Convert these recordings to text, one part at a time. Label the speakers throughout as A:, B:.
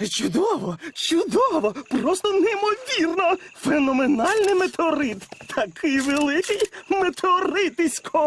A: Чудово, чудово, просто неймовірно. Феноменальний метеорит. Такий великий метеоритисько.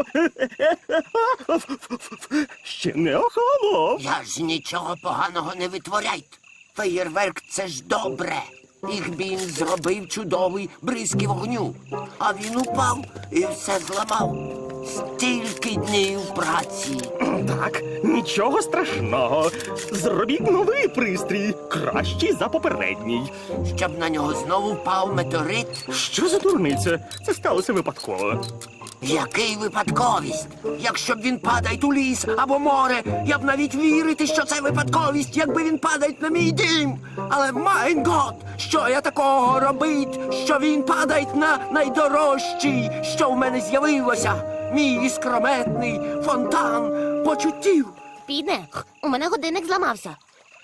A: Ще не охолонув.
B: Я ж нічого поганого не витворяйте. Феєрверк – це ж добре. Ігбін зробив чудовий бризки вогню. А він упав і все зламав. Стільки днів праці.
A: Так, нічого страшного. Зробіть новий пристрій, кращий за попередній.
B: Щоб на нього знову впав метеорит.
A: Що за дурниця? Це сталося випадково.
B: Який випадковість? Якщо б він падає у ліс або море, я б навіть вірити, що це випадковість, якби він падає на мій дім. Але, майн гот, що я такого робить, що він падає на найдорожчий, що в мене з'явилося? Мій іскрометний фонтан почуттів.
C: Піде, у мене годинник зламався.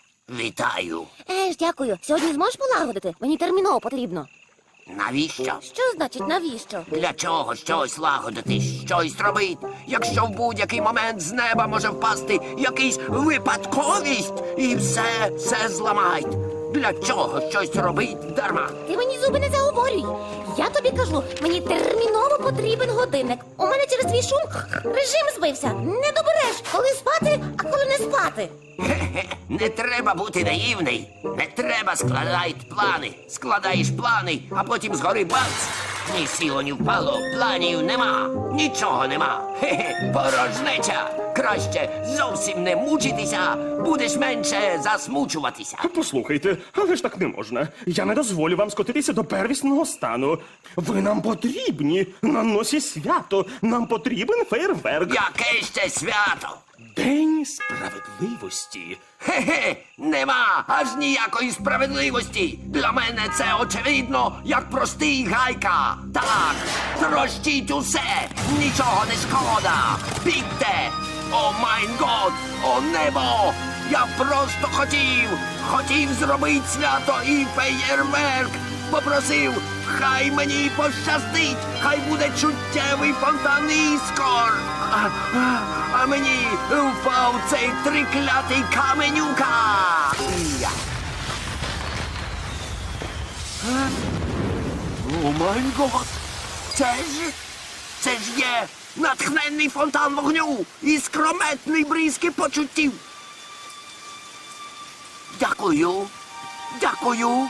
B: Вітаю.
C: Дякую. Сьогодні зможеш полагодити? Мені терміново потрібно.
B: Навіщо?
C: Що значить навіщо?
B: Для чого щось лагодити, щось робити, якщо в будь-який момент з неба може впасти якийсь випадковість і все зламають? Для чого щось робить дарма?
C: Ти мені зуби не заговорюй. Я тобі кажу, мені терміново потрібен годинник. У мене через твій шум режим збився. Не добереш, коли спати, а коли не спати.
B: Хе-хе, не треба бути наївний. Не треба складати плани. Складаєш плани, а потім згори бац. Ні сіло, ні впало, планів нема. Нічого нема. Хе-хе, порожнеча. Краще зовсім не мучитися, будеш менше засмучуватися.
A: Послухайте, але ж так не можна. Я не дозволю вам скотитися до первісного стану. Ви нам потрібні. На носі свято. Нам потрібен фейерверк.
B: Яке ще свято?
A: День справедливості.
B: Хе-хе, нема аж ніякої справедливості. Для мене це очевидно, як простий гайка. Так, трощіть усе, нічого не шкода. Бігте! О майн год, о небо! Я просто хотів зробити свято і феєрверк. Попросив, хай мені пощастить, хай буде чуттєвий фонтан іскор. А мені впав цей триклятий каменюка. Я. О май гот! Це ж є натхненний фонтан вогню і скрометний бризки почуттів. Дякую. Дякую.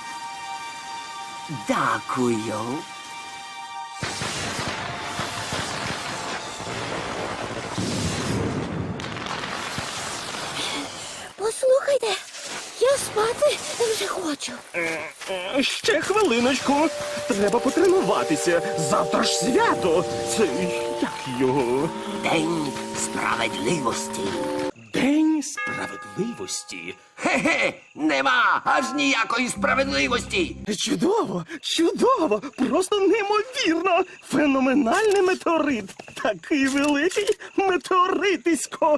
B: Дякую.
C: Послухайте, я спати вже хочу.
A: Ще хвилиночку. Треба потренуватися. Завтра ж свято. Це як його?
B: День справедливості.
A: День справедливості.
B: Хе-хе, нема аж ніякої справедливості.
A: Чудово, чудово, просто неймовірно. Феноменальний метеорит. Такий великий метеоритисько.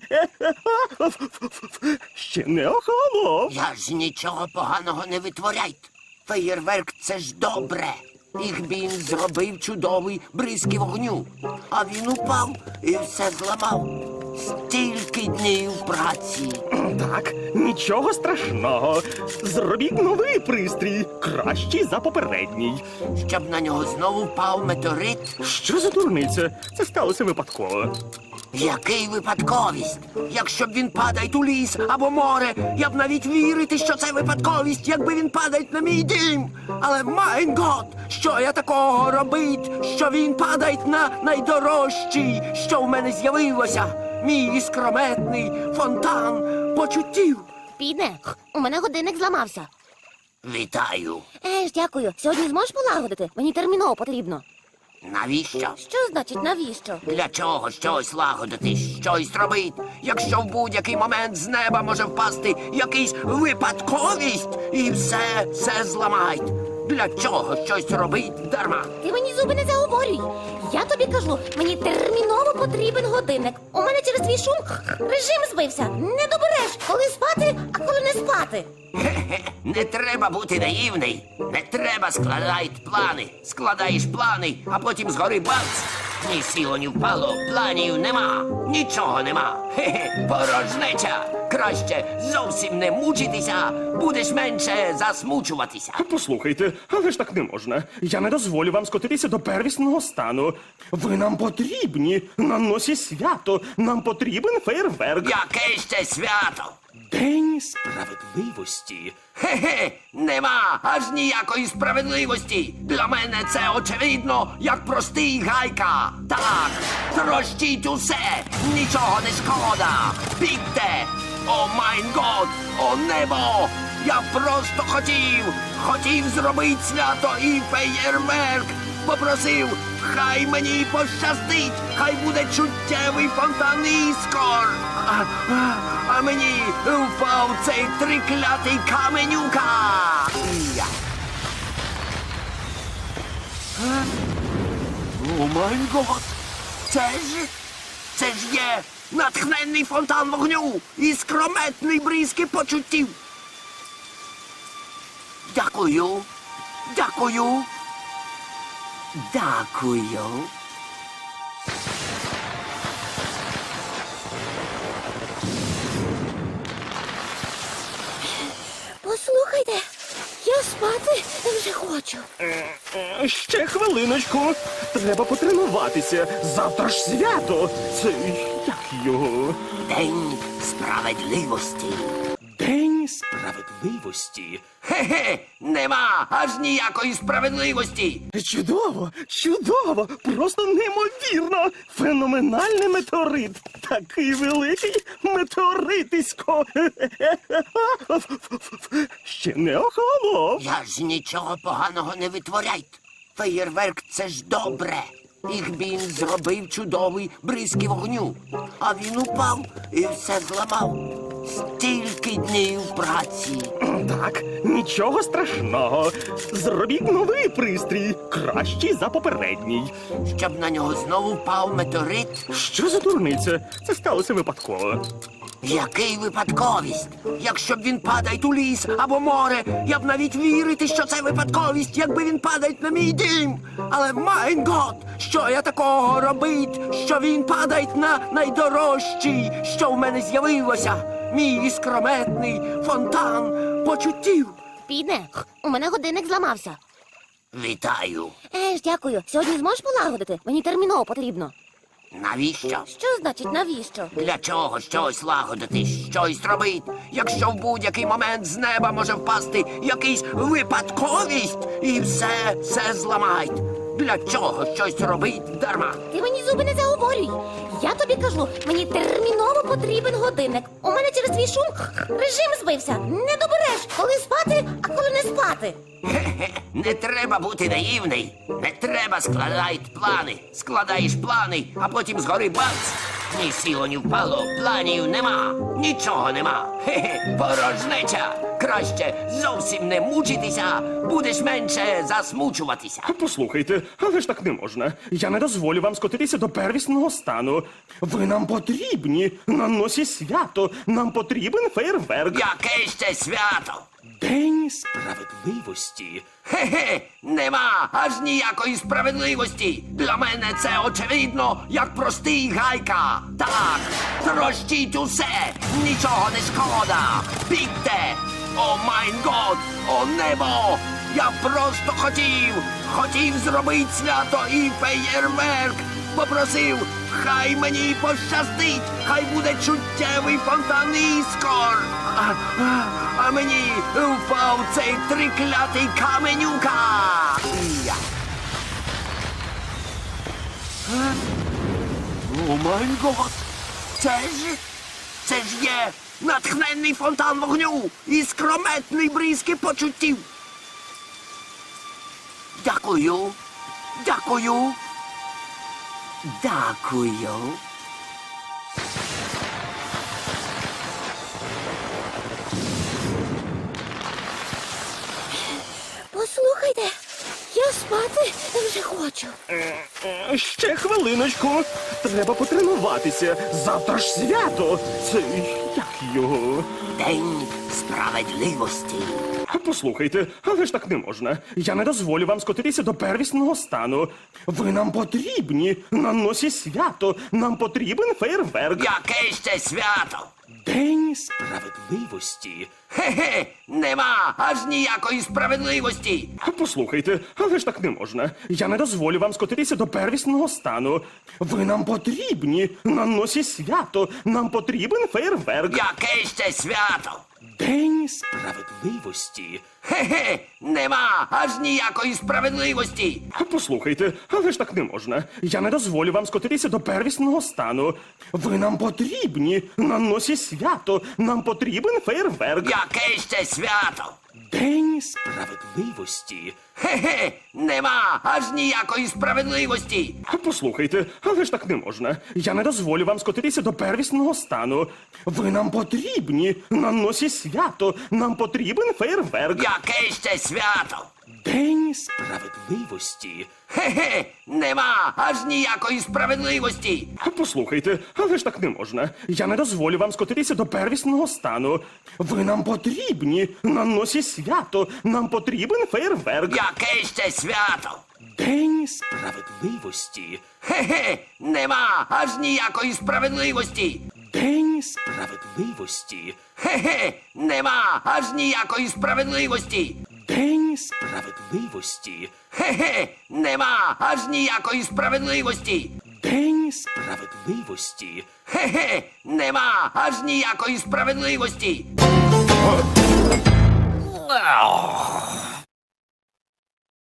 A: Ще не охолонув.
B: Я ж нічого поганого не витворяйте. Феєрверк – це ж добре. Ігбін зробив чудовий бризки вогню. А він упав і все зламав. Стільки днів праці.
A: Так, нічого страшного. Зробіть новий пристрій, кращий за попередній.
B: Щоб на нього знову впав метеорит.
A: Що за дурниця? Це сталося випадково.
B: Який випадковість? Якщо б він падає у ліс або море, я б навіть вірити, що це випадковість, якби він падає на мій дім. Але, майн гот, що я такого робить, що він падає на найдорожчий, що в мене з'явилося? Мій іскрометний фонтан почуттів.
C: Піде, у мене годинник зламався.
B: Вітаю.
C: Дякую. Сьогодні зможеш полагодити? Мені терміново потрібно.
B: Навіщо?
C: Що значить навіщо?
B: Для чого щось лагодити, щось робити, якщо в будь-який момент з неба може впасти якийсь випадковість і все зламають? Для чого щось робить дарма?
C: Ти мені зуби не заговорюй. Я тобі кажу, мені терміново потрібен годинник. У мене через твій шум режим збився. Не добереш, коли спати, а коли не спати.
B: Хе-хе, не треба бути наївний. Не треба складати плани. Складаєш плани, а потім згори бац. Ні сіло, ні впало, планів нема. Нічого нема. Хе-хе, порожнеча. Краще зовсім не мучитися, будеш менше засмучуватися.
A: Послухайте, але ж так не можна. Я не дозволю вам скотитися до первісного стану. Ви нам потрібні на носі свято. Нам потрібен фейерверк.
B: Яке ще свято?
A: День справедливості.
B: Хе-хе, нема аж ніякої справедливості. Для мене це очевидно, як простий гайка. Так, трощіть усе, нічого не шкода. Бігте! О майн год, о небо! Я просто хотів зробити свято і феєрверк. Попросив, хай мені пощастить, хай буде чуттєвий фонтан іскор. А мені впав цей триклятий каменюка. Я. О май гот! Це ж є натхненний фонтан вогню і скрометний бризки почуттів. Дякую. Дякую. Дякую.
C: Послухайте, я спати вже хочу.
A: Ще хвилиночку. Треба потренуватися. Завтра ж свято. Це як його?
B: День справедливості.
A: День справедливості.
B: Хе-хе, нема аж ніякої справедливості.
A: Чудово, чудово, просто неймовірно. Феноменальний метеорит. Такий великий метеоритисько. Ще не охолонув.
B: Я ж нічого поганого не витворяйте. Феєрверк — це ж добре. Їх він зробив чудовий бризки вогню. А він упав і все зламав. Стільки днів праці.
A: Так, нічого страшного. Зробіть новий пристрій, кращий за попередній.
B: Щоб на нього знову впав метеорит.
A: Що за дурниця? Це сталося випадково.
B: Який випадковість? Якщо б він падає у ліс або море, я б навіть вірити, що це випадковість, якби він падає на мій дім. Але майн гот, що я такого робить, що він падає на найдорожчий, що в мене з'явилося. Мій іскрометний фонтан почуттів.
C: Підне, у мене годинник зламався.
B: Вітаю.
C: Дякую. Сьогодні зможеш полагодити? Мені терміново потрібно.
B: Навіщо?
C: Що значить навіщо?
B: Для чого щось лагодити, щось робити, якщо в будь-який момент з неба може впасти якийсь випадковість і все зламають? Для чого щось робить дарма?
C: Ти мені зуби не заговорюй. Я тобі кажу, мені терміново потрібен годинник. У мене через твій шум режим збився. Не добереш, коли спати, а коли не спати.
B: Хе-хе, не треба бути наївний. Не треба складати плани. Складаєш плани, а потім згори бац. Ні сіло, ні впало, планів нема. Нічого нема. Хе-хе, порожнеча. Краще зовсім не мучитися, будеш менше засмучуватися.
A: Послухайте, але ж так не можна. Я не дозволю вам скотитися до первісного стану. Ви нам потрібні на носі свято. Нам потрібен фейерверк.
B: Яке ще свято?
A: День справедливості.
B: Хе-хе, нема аж ніякої справедливості. Для мене це очевидно, як простий гайка. Так, трощіть усе, нічого не шкода. Бігте! О майн год, о небо! Я просто хотів зробити свято і феєрверк. Попросив, хай мені пощастить, хай буде чуттєвий фонтан іскор. А мені впав цей триклятий каменюка. Я. О май гот! Це ж є натхненний фонтан вогню і скрометний бризки почуттів. Дякую. Дякую. Дякую.
C: Послухайте, я спати вже хочу.
A: Ще хвилиночку. Треба потренуватися. Завтра ж свято. Це як його?
B: День справедливості.
A: Послухайте, але ж так не можна. Я не дозволю вам скотитися до первісного стану. Ви нам потрібні на носі свято. Нам потрібен фейерверк.
B: Яке ще свято?
A: День справедливості.
B: Хе-хе, нема аж ніякої справедливості.
A: Послухайте, але ж так не можна. Я не дозволю вам скотитися до первісного стану. Ви нам потрібні на носі свято. Нам потрібен фейерверк.
B: Яке ще свято?
A: День справедливості.
B: Хе-хе, нема аж ніякої справедливості.
A: Послухайте, але ж так не можна. Я не дозволю вам скотитися до первісного стану. Ви нам потрібні на носі свято. Нам потрібен фейерверк.
B: Яке ще свято?
A: День справедливості.
B: Хе-хе, нема аж ніякої справедливості.
A: Послухайте, але ж так не можна. Я не дозволю вам скотитися до первісного стану. Ви нам потрібні на носі свято. Нам потрібен фейерверк.
B: Яке ще свято?
A: День справедливості.
B: Хе-хе, нема аж ніякої справедливості.
A: Послухайте, але ж так не можна. Я не дозволю вам скотитися до первісного стану. Ви нам потрібні на носі свято. Нам потрібен фейерверк.
B: Яке ще свято?
A: День справедливості.
B: Хе-хе, нема аж ніякої справедливості.
A: День справедливості.
B: Хе-хе, нема аж ніякої справедливості.
A: День справедливості.
B: Хе-хе, нема аж ніякої справедливості.
A: День справедливості.
B: Хе-хе, нема аж ніякої справедливості.